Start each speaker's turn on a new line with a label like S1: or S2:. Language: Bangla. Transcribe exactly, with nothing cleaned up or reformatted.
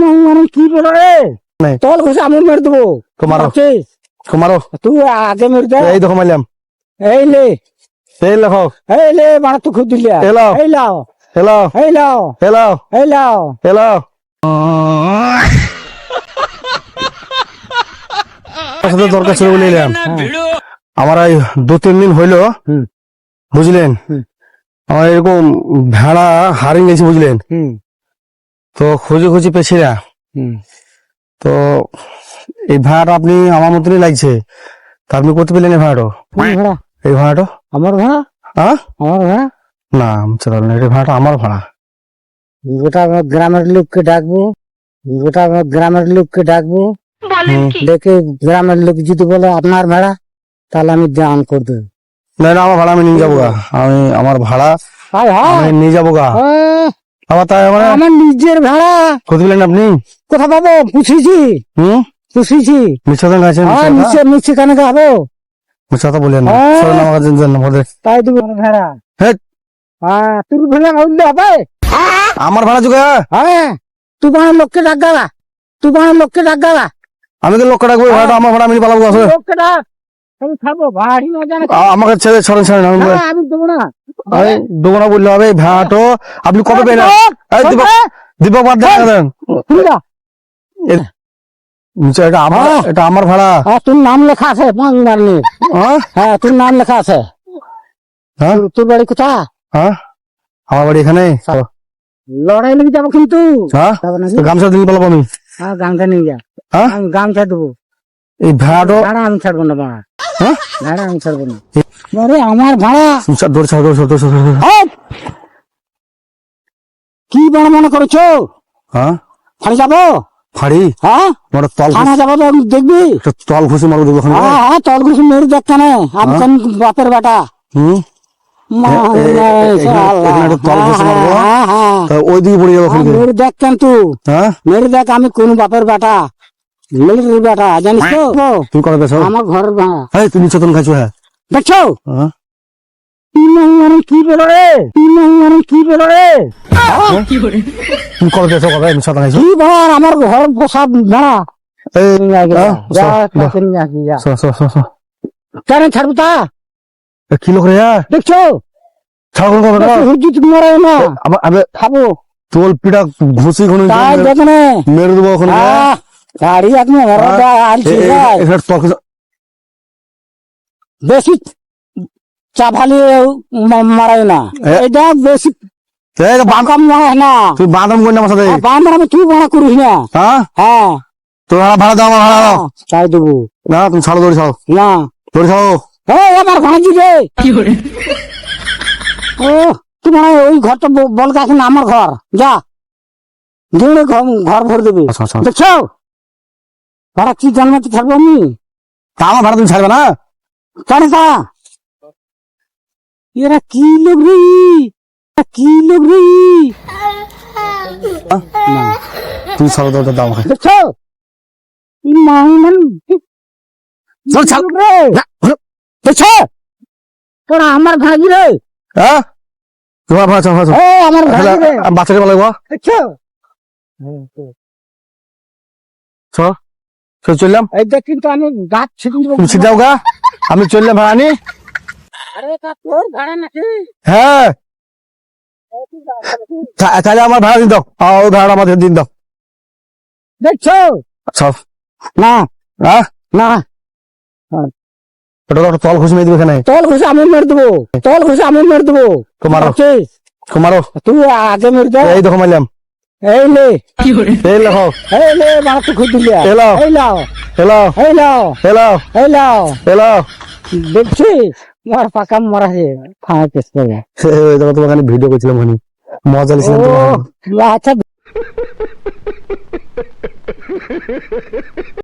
S1: মানে কি বলো রে
S2: নাই
S1: তল ঘষে আমি মেরে দেবো
S2: তোমারও
S1: ভাবছিস?
S2: তোমারও
S1: তুই আগে মেরে দে।
S2: এই দেখো মারলাম
S1: এই লে
S2: এই লেখো
S1: এই লে মানে তুই খুদ দিলি
S2: এলো
S1: এই লাও
S2: হ্যালো
S1: এই লাও
S2: হ্যালো
S1: এই লাও
S2: হ্যালো সাথে দরকার ছিল বলে এলাম। আমার এই দু তিন দিন হইলো
S1: হুম।
S2: বুঝলেন
S1: হুম।
S2: আমার এরকম ভেড়া হারিয়ে গেছে বুঝলেন
S1: হুম
S2: তো খুঁজে খুঁজে পেছি না
S1: হুম
S2: তো এই ভাড়াটা আপনি আমার মতনই লাগছে তা আপনি করতে পেলেন এই ভাড়াটা
S1: কোন ভাড়া?
S2: এই ভাড়াটা
S1: আমার ভাড়া?
S2: হ্যাঁ
S1: আমার ভাড়া?
S2: না চলাল না, এই ভাড়াটা আমার ভাড়া।
S1: গোটা আমার গ্রামের লোককে ডাকবো, গোটা আমার গ্রামের লোককে ডাকবো,
S2: হুম।
S1: ডেকে গ্রামের লোক যদি বলে আপনার ভাড়া তাহলে আমি দান করে দেবো।
S2: না না আমার ভাড়া আমি নিয়ে যাবো গা, আমি আমার ভাড়া
S1: হায় হায়,
S2: আমি নিয়ে যাবো গা।
S1: আহ,
S2: আবার তাই মানে
S1: আমার নিজের ভাড়া
S2: করতে পেলেন আপনি?
S1: কোথা পাবো? পুষিছি
S2: হুম
S1: পুষিছি
S2: মিথ্যা কথা গাইছেন,
S1: হ্যাঁ নিচে নিচে কেন খাবো?
S2: মিথ্যা কথা বলেন না,
S1: হ্যাঁ।
S2: চলেন আমার কাছে যান না, বলে।
S1: তাই দেবো ভাড়া।
S2: হেৎ,
S1: হ্যাঁ তুই ভাড়া উঠলে হবে?
S2: আমার ভাড়া যোগা
S1: হ্যাঁ তুই বানার লোককে ডাক গালা, তুই বানার লোককে ডাক গালা,
S2: আমি তো লোক রাখবো, ভাড়াটা আমার ভাড়া আমি পালাবো আসলে।
S1: লোককে ডাক আমি খাবো ভাড়ি না জানে।
S2: আ- আমাকে ছেড়ে ছড়েন ছড়েন আমি
S1: হ্যাঁ, আমি দেবো না।
S2: আমি দেবো না বললে হবে। এই ভাড়াটা আপনি কবে পেলেন? এই দীপক দীপক বাদ দেন দেন।
S1: তুই যা।
S2: নিচে এটা আমার,
S1: হ্যাঁ।
S2: এটা আমার ভাড়া।
S1: হ্যাঁ তোর নাম লেখা আছে বাংলার নিয়ে।
S2: হ্যাঁ
S1: হ্যাঁ তোর নাম লেখা আছে।
S2: হ্যাঁ
S1: তোর- তোর বাড়ি কোথা?
S2: হ্যাঁ আমার বাড়ি এখানে।
S1: লড়াই লেগে যাবো কিন্তু।
S2: হ্যাঁ
S1: যাবো নাকি?
S2: তো গামছা দিন পালাবো আমি।
S1: হ্যাঁ গামছা নিয়ে যা,
S2: হ্যাঁ
S1: আমি গামছা দেবো।
S2: এই ভাড়াটা
S1: ভাড়া আমি ছাড়বো না, ভাড়া
S2: হ্যাঁ
S1: ভাড়া আমি ছাড়বো না। আরে আমার ভাড়া।
S2: দৌড় ছাড় দৌড় ছাড় দৌড় ছাড়, দৌড় ছাড়।
S1: এই! কি বড় মনে করছো?
S2: হ্যাঁ
S1: থানা যাবো?
S2: ফাড়ি
S1: হ্যাঁ
S2: আমার তল
S1: থানা যাবো তো আমি দেখবি?
S2: একটা তল ঘুষি মারবো দেখবো ওখানে।
S1: হ্যাঁ হ্যাঁ তল ঘুষি মেরে দেখ কেন আমি কোন বাপের বেটা।
S2: হুম
S1: মা-
S2: এ- এ- এ- এখানে-
S1: আল্লাহ।
S2: এখানে একটা তল ঘুষি মারবো।
S1: হ্যাঁ, হ্যাঁ,
S2: তা ওই দিকে পড়ে যাবো
S1: হ্যাঁ,
S2: ওখানে।
S1: মেরে দেখ কেন তুই,
S2: হ্যাঁ
S1: মেরে দেখ আমি কোন বাপের বেটা, মিলিটারির বেটা জানিস তো?
S2: তুমি করে বেছো?
S1: আমার ঘরের ভাড়া
S2: এই তুমি চতন খাইছো? হ্যাঁ
S1: দেখছো?
S2: হ্যাঁ
S1: তিন মানে কি বেরো রে, তিন মানে কি বেরো রে,
S2: তুমি করে বেছো? কবে আমি চতন খাইছো?
S1: কি ভাড়া আমার ঘর বসা ভাড়া।
S2: এই
S1: নিয়ে আগে যা,
S2: হ্যাঁ,
S1: যা,
S2: সর,
S1: তাকে নিয়ে আসবি, যা।
S2: সো সো সো সো
S1: কেন ছাড়বো তা?
S2: এ কি লোক রে? হ্যাঁ
S1: দেখছো
S2: ছাগল কবে না
S1: হুজুত মারা না
S2: আবার আবে
S1: খাবো
S2: তোল পিটা ঘুষি ঘুষি
S1: তাই দেখনে
S2: মেরে দেবো ওখানে।
S1: আহ, গাড়ি আপনি আনছি
S2: এ- এ- এখানে তল ঘুষি-
S1: বেশি চা ফালি মারাই না,
S2: এ-
S1: এটা বেশি
S2: এই যে বাঁধ-
S1: বাঁকাম মারাই না।
S2: তুই বাঁধাম করি না আমার সাথে।
S1: বান্ধব আমি তুই ভাড়া করিস না।
S2: হ্যাঁ
S1: হ্যাঁ
S2: তোর ভাড়া ভাড়া দাও, আমার ভাড়া দাও।
S1: তাই দেবো
S2: না তুমি ছাড়ো, দৌড়ি ছাড়ো,
S1: না।
S2: দৌড়ি ছাড়ো।
S1: এই আমার ঘরে দিবে ও তোমার ওই ঘরটা ব- বল গাছ না আমার ঘর, যা দৌড়ে ঘর- ঘর ভরে দেবে।
S2: আচ্ছা আচ্ছা
S1: দেখছো ভাড়া কি জন্মাতে থাকবো আমি?
S2: তা আমার ভাড়া তুমি ছাড়বে না?
S1: কেন তা? এরা কি লোক রে, এরা কি লোক রে? না
S2: তুমি ছাড়ো, দাও দাও, দাও আমাকে।
S1: দেখছো এই মাহুমান
S2: চল, ছাড়।
S1: রে, দেখছো তোরা আমার ভাগি রে,
S2: হ্যাঁ তোমার ভাড়া ছাড়ো, ভাড়া ছাড়ো।
S1: ও আমার ভাগি
S2: তাহলে
S1: রে,
S2: আমি বাচ্চাকে বলাবো।
S1: দেখছো
S2: চল চল চললাম,
S1: এই দেখ কিন্তু আমি গাছ ছিটে দেবো।
S2: তুমি সিধাও গা, আমি চললাম ভাড়া নি।
S1: আরে তা তোর ভাড়া নাকি?
S2: হ্যাঁ তা- তাহলে আমার ভাড়া দিন দাও, আ, ওই ভাড়া আমাদের দিন দাও।
S1: দেখছো
S2: আচ্ছা
S1: না
S2: হ্যাঁ
S1: না
S2: ওটা তো একটা তল ঘুষি মেরে দিবে এখানে।
S1: তল ঘুষে আমি মেরে দেবো, তল ঘুষে আমি মেরে দেবো।
S2: তোমারও
S1: ভাবছিস?
S2: তোমারও
S1: তুই আগে মেরে দে।
S2: এই দেখো মারলাম,
S1: এই লে
S2: এই লেখো
S1: এই লে মানে তুই খুদ দিলি
S2: এই লাও।
S1: এই লাও
S2: হ্যালো
S1: এই লাও
S2: হ্যালো
S1: এই লাও
S2: হ্যালো
S1: দেখছিস মার পাকা মারা হে ফাঁকা কেস করে।
S2: এই দেখো তোমাকে ভিডিও করছিলাম ওখানে, মজা লিছিলাম
S1: ও
S2: তোমাকে।
S1: আচ্ছা